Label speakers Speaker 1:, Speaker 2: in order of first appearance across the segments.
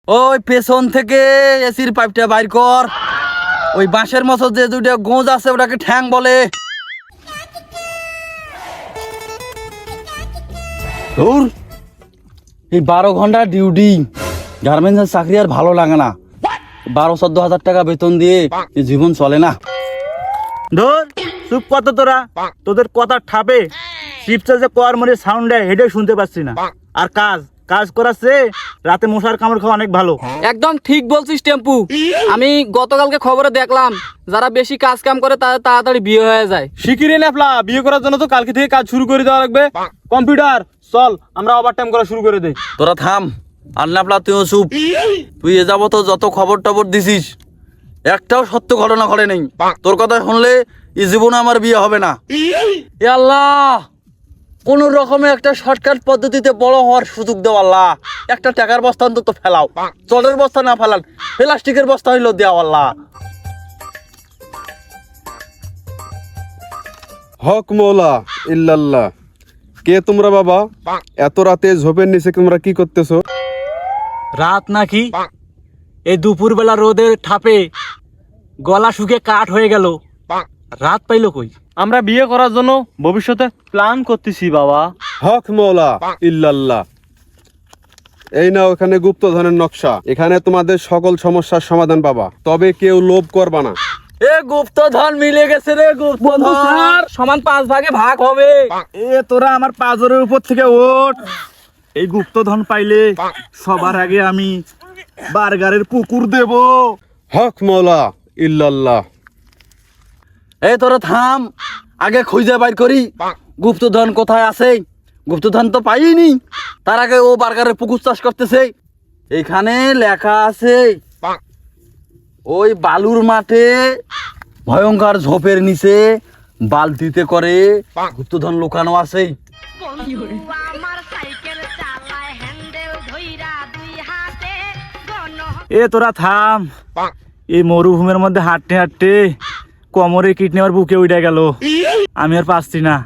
Speaker 1: ওই পেছন থেকে এসির পাইপটা বাইর কর। ওই বাঁশের মতো যে দুটো গোঁজ আছে ওটাকে ঠ্যাং বলে। ধুর, এই 12 ঘন্টা ডিউটি, গার্মেন্টসের চাকরি আর ভালো লাগে না। 12-14 হাজার টাকা বেতন দিয়ে এই জীবন চলে না।
Speaker 2: ধর চুপ কত তোরা, তোদের কথা ঠাপে শিপসে যে কর মরে সাউন্ড দেয় এটাই শুনতে পাচ্ছি না। আর কাজ কাজ করাচ্ছে রাতে মশার কামড় খাওয়া অনেক ভালো।
Speaker 3: একদম ঠিক বলছিস টেম্পু। আমি গতকালকে খবরে দেখলাম যারা বেশি কাজ কাম করে তাদের তাড়াতাড়ি বিয়ে হয়ে যায়।
Speaker 2: শিখিরে নেফলা বিয়ে করার জন্য তো কালকে থেকে কাজ শুরু করে দেওয়া লাগবে। কম্পিউটার চল আমরা ওভার টাইম করা শুরু করে দেই।
Speaker 1: তোরা থাম, আর নাপলা তুইও চুপ। তুই এ যাবো তো যত খবর টবর দিছিস একটাও সত্য ঘটনা ঘটে নেই। তোর কথা শুনলে এই জীবনে আমার বিয়ে হবে না। এ আল্লাহ, কোন রকমে একটা শর্টকাট পদ্ধতিতে বড় হওয়ার সুযোগ দাও আল্লাহ। একটা টাকার বস্তা অন্তত ফেলাও, জলের বস্তা না ফেলান, প্লাস্টিকের বস্তা হইলো দেও আল্লাহ।
Speaker 4: হক মৌলা ইল্লাল্লাহ। কে তোমরা বাবা? এত রাতে ঝোপের নিচে তোমরা কি করতেছো?
Speaker 2: রাত নাকি? এই দুপুরবেলা রোদের ঠাপে গলা শুকে কাঠ হয়ে গেল, রাত পাইলো কই? আমরা বিয়ে করার জন্য ভবিষ্যতে প্ল্যান করতেছি বাবা।
Speaker 4: হক মৌলা ইল্লাল্লাহ। এই নাও এখানে গুপ্তধনের নকশা। এখানে তোমাদের সকল সমস্যার সমাধান পাবা, তবে কেউ লোভ করবা না।
Speaker 1: এ গুপ্তধন মিলে গেছে রে, গুপ্তধন।
Speaker 3: সমান 5 ভাগে ভাগ হবে।
Speaker 2: এ তোরা আমার পাজরের উপর থেকে ওঠ। এই গুপ্তধন পাইলে সবার আগে আমি বার্গারের পুকুর দেব।
Speaker 4: হক মৌলা ইল্লাল্লাহ।
Speaker 1: এই তোরা থাম, আগে খুঁজে বাইর করি গুপ্তধন কোথায় আছে। গুপ্তধন তো পাইনি, তার আগে ও বার্গারের পুকুর চাষ করতেছে। এখানে লেখা আছে ওই বালুর মাঠে ভয়ঙ্কর ঝোপের নিচে বালতিতে করে গুপ্তধন লুকানো আছে।
Speaker 2: এ তোরা থাম, এই মরুভূমির মধ্যে হাঁটতে হাঁটতে কোমরে কিডনি আমার বুকে উঠে গেল, আমি আর পাচ্ছি না।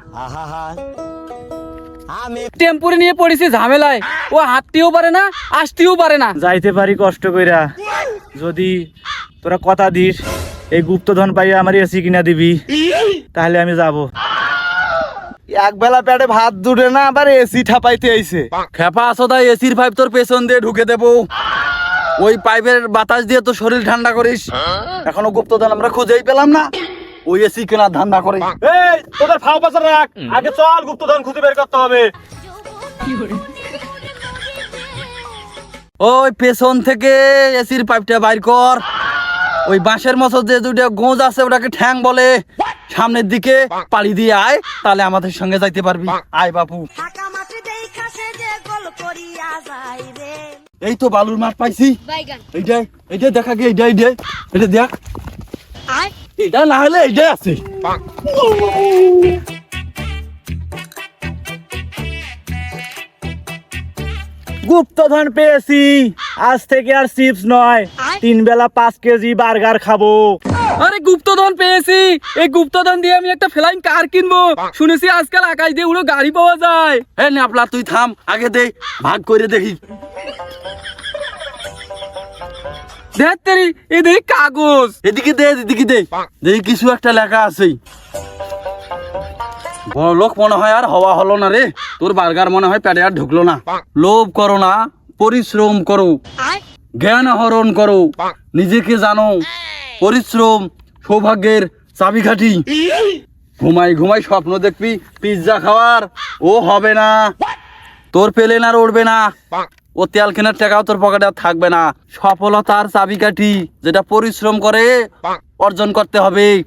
Speaker 3: টেম্পুরে নিয়ে পড়েছি ঝামেলায়, ও হাঁটতেও পারে না আসতেও পারে না।
Speaker 2: যাইতে পারি কষ্ট কইরা, যদি তোরা কথা দিস এই গুপ্তধন পাইয়া আমার এসি কিনা দিবি তাহলে আমি যাব।
Speaker 1: এক বেলা পেটে ভাত দুটে না, আবার এসি ঠাপাইতে আইছে। খেপা আছো তাই এসির পাইপ তোর পেছন দিয়ে ঢুকে দেবো। ওই পাইপের বাতাস দিয়ে তো শরীর ঠান্ডা করিস। এখনো গুপ্তধন আমরা খুঁজেই পেলাম না, ওই এসি কেনার ধান্দা করে।
Speaker 2: এই তোদের ফাও পাশা রাখ, আগে চল গুপ্তধন খুঁজে বের করতে হবে।
Speaker 1: ওই পেছন থেকে এসির পাইপটা বাইর কর। ওই বাঁশের মতো যে দুটো গোঁজ আছে ওটাকে ঠ্যাং বলে। সামনের দিকে পাড়ি দিয়ে আয়, তাহলে আমাদের সঙ্গে যাইতে পারবি। আয় বাপু। এই তো বালুর মাঠ পাইছি। এইটাই এইটাই দেখা গে, এইটাই এইটাই এটা দেখ। এটা না হলে এইটাই আছে।
Speaker 2: গুপ্তধন পেয়েছি, আজ থেকে আর চিপস নয়, 3 বেলা 5 কেজি বার্গার খাবো।
Speaker 3: আরে গুপ্তধন পেয়েছি, এই গুপ্তধন দিয়ে আমি একটা ফ্লাইং কার কিনবো। শুনেছি আজকাল আকাশ দিয়ে উড়ো গাড়ি পাওয়া যায়।
Speaker 1: হ্যাঁ নাপলা তুই থাম, আগে দে ভাগ করে দেখি।
Speaker 3: দেখ তেরি, এই দেখি কাগজ।
Speaker 1: এদিকে দে, এদিকে দে, দেখি কিছু একটা লেখা আছে। বড় লোক মনে হয় আর হওয়া হলো না রে। তোর বার্গার মনে হয় পেটে আর ঢুকলো না। লোভ করো না, পরিশ্রম করো, জ্ঞান আহরণ করো, নিজেকে জানো। পরিশ্রম সৌভাগ্যের চাবিকাঠি। ঘুমাই ঘুমাই স্বপ্ন দেখবি পিৎজা খাওয়ার, ও হবে না। তোর পেলেন আর উঠবে না, ও তেল কেনার টাকাও তোর পকেটে আর থাকবে না। সফলতার চাবিকাঠি যেটা পরিশ্রম করে অর্জন করতে হবে।